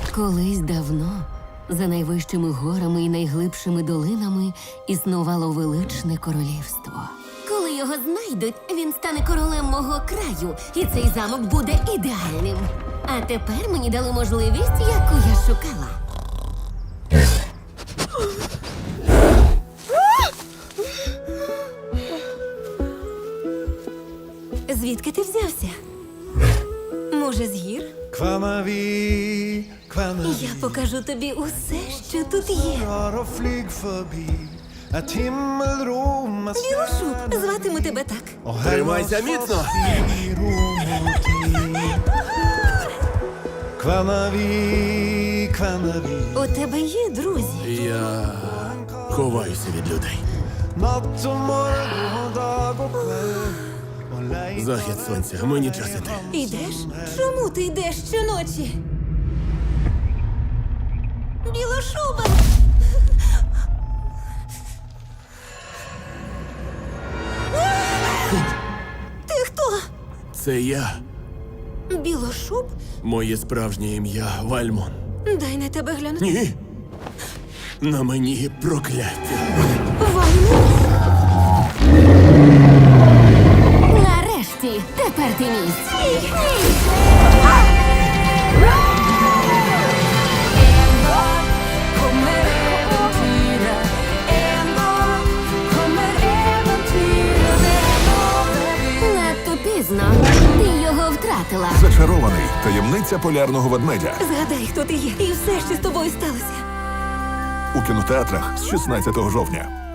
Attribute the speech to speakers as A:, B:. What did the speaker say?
A: Колись давно, за найвищими горами і найглибшими долинами, існувало величне королівство. Коли його знайдуть, він стане королем мого краю, і цей замок буде ідеальним. А тепер мені дали можливість, яку я шукала. Звідки ти взявся? Може, з гір? Я покажу тобі усе, що тут є. Білошуб, зватиму тебе так.
B: Тримайся міцно!
A: У тебе є друзі?
B: Я ховаюся від людей. Захід сонця, мені час іти.
A: Йдеш? Чому ти йдеш щоночі? Білошуба! Ти хто?
B: Це я.
A: Білошуб?
B: Моє справжнє ім'я Вальмон.
A: Дай на тебе глянути.
B: Ні. На мені прокляття.
A: Вальмон? Нарешті, тепер ти мій. Стій! Надто пізно. Ти його втратила.
C: Зачарований. Таємниця полярного ведмедя.
A: Згадай, хто ти є, і все, що з тобою сталося.
C: У кінотеатрах з 16 жовтня.